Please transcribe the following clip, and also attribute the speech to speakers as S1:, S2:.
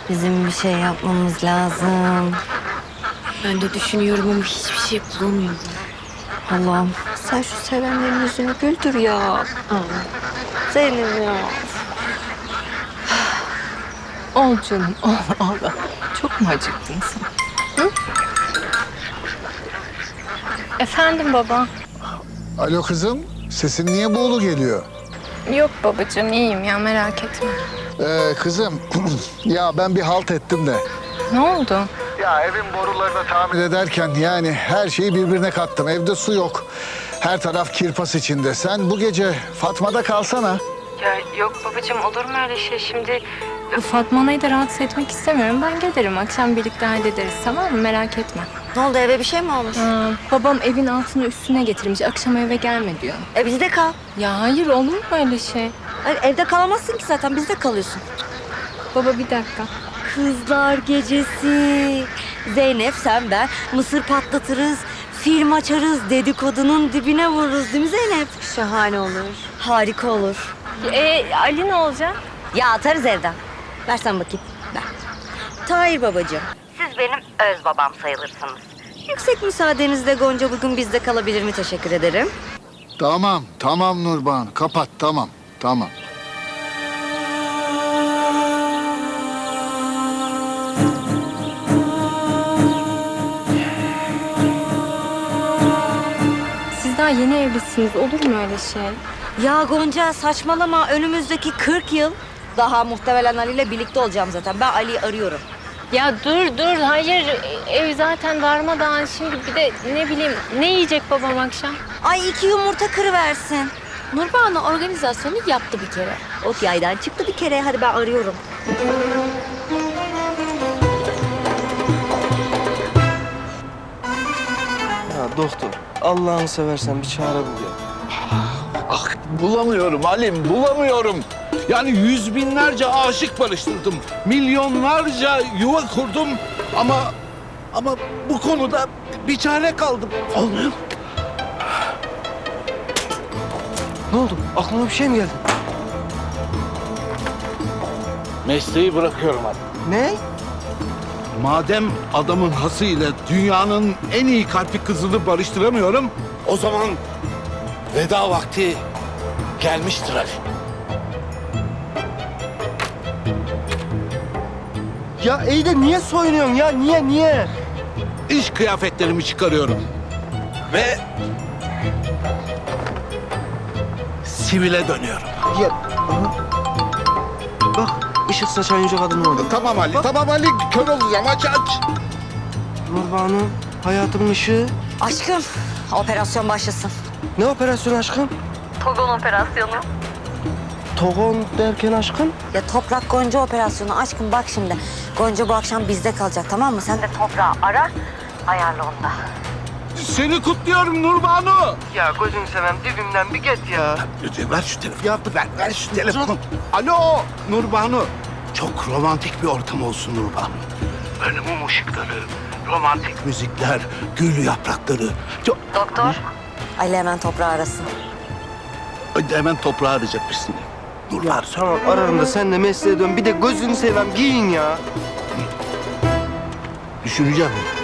S1: Bizim bir şey yapmamız lazım.
S2: Ben de düşünüyorum ama hiçbir şey bulamıyorum.
S1: Allah'ım sen şu sevenlerin yüzünü güldür ya. Zeynep ya.
S2: Ol canım, ol. Çok mu acıktın sen? Hı? Efendim baba.
S3: Alo kızım, sesin niye buğulu geliyor?
S2: Yok babacığım, iyiyim ya, merak etme.
S3: Kızım, ya ben bir halt ettim de.
S2: Ne oldu?
S3: Ya evin borularını tamir ederken yani her şeyi birbirine kattım. Evde su yok. Her taraf kirpas içinde. Sen bu gece Fatma'da kalsana.
S2: Ya yok babacığım, olur mu öyle şey şimdi? Fatma Ana'yı da rahatsız etmek istemiyorum. Ben gelirim, akşam birlikte hallederiz, tamam mı? Merak etme.
S1: Ne oldu, eve bir şey mi olmuş?
S2: Babam evin altını üstüne getirmiş, akşam eve gelme diyor.
S1: Bizde kal.
S2: Ya hayır, olur mu öyle şey?
S1: Hayır, evde kalamazsın ki zaten, bizde kalıyorsun.
S2: Baba bir dakika.
S1: Kızlar gecesi. Zeynep, sen, ben mısır patlatırız. Film açarız, dedikodunun dibine vururuz değil mi Zeynep?
S2: Şahane olur.
S1: Harika olur.
S2: Ali ne olacak?
S1: Ya atarız evden. Versen bakayım. Ver. Tahir babacığım. Siz benim öz babam sayılırsınız. Yüksek müsaadenizle Gonca bugün bizde kalabilir mi? Teşekkür ederim.
S3: Tamam Nurban. Kapat, tamam.
S2: Siz daha yeni evlisiniz, olur mu öyle şey?
S1: Ya Gonca saçmalama. Önümüzdeki 40 yıl daha muhtemelen Ali ile birlikte olacağım zaten. Ben Ali'yi arıyorum.
S2: Ya dur, hayır. Ev zaten darmadağın. Şimdi bir de ne bileyim, ne yiyecek babam akşam?
S1: Ay 2 yumurta kırıversin.
S2: Nurbanu organizasyonu yaptı bir kere.
S1: Ot yaydan çıktı bir kere. Hadi ben arıyorum.
S4: Ya doktor, Allah'ını seversen bir çare bul ya.
S5: Ah, bulamıyorum Halim, bulamıyorum. Yani yüz binlerce aşık barıştırdım. Milyonlarca yuva kurdum. Ama bu konuda bir çare kaldım. Olmuyor.
S4: Ne oldu? Aklına bir şey mi geldi?
S5: Mesleği bırakıyorum hadi.
S4: Ne?
S5: Madem adamın hasıyla dünyanın en iyi kalpli kızını barıştıramıyorum, o zaman veda vakti gelmiştir Ali.
S4: Ya iyi de niye soyunuyorsun ya? Niye?
S5: İş kıyafetlerimi çıkarıyorum. Ve sivile dönüyorum.
S4: Ya, aha. Bak, ışık saçan yüce kadın orada.
S5: Tamam Ali, kör olacağım, aç.
S4: Nurbanu, hayatımın ışığı.
S1: Aşkım operasyon başlasın.
S4: Ne operasyonu aşkım?
S1: Togon operasyonu.
S4: Togon derken aşkım?
S1: Ya Toprak Gonca operasyonu. Aşkım bak şimdi. Gonca bu akşam bizde kalacak, tamam mı? Sen de Toprağı ara. Ayarla onu da.
S5: Seni kutluyorum Nurbanu.
S4: Ya gözünü seveyim dibimden bir git ya.
S5: Ver şu telefonu. Ver şu telefonu. Alo Nurbanu. Çok romantik bir ortam olsun Nurbanu. Böyle mum ışıkları, romantik müzikler, gül yaprakları.
S1: Doktor. Ali hemen Toprağı arasın.
S5: Hemen toprağı arayacakmışsın.
S4: Ya
S5: Nurbanu.
S4: tamam ararım da sen de mesleğe dön. Bir de gözünü seveyim giyin ya.
S5: Düşüneceğim.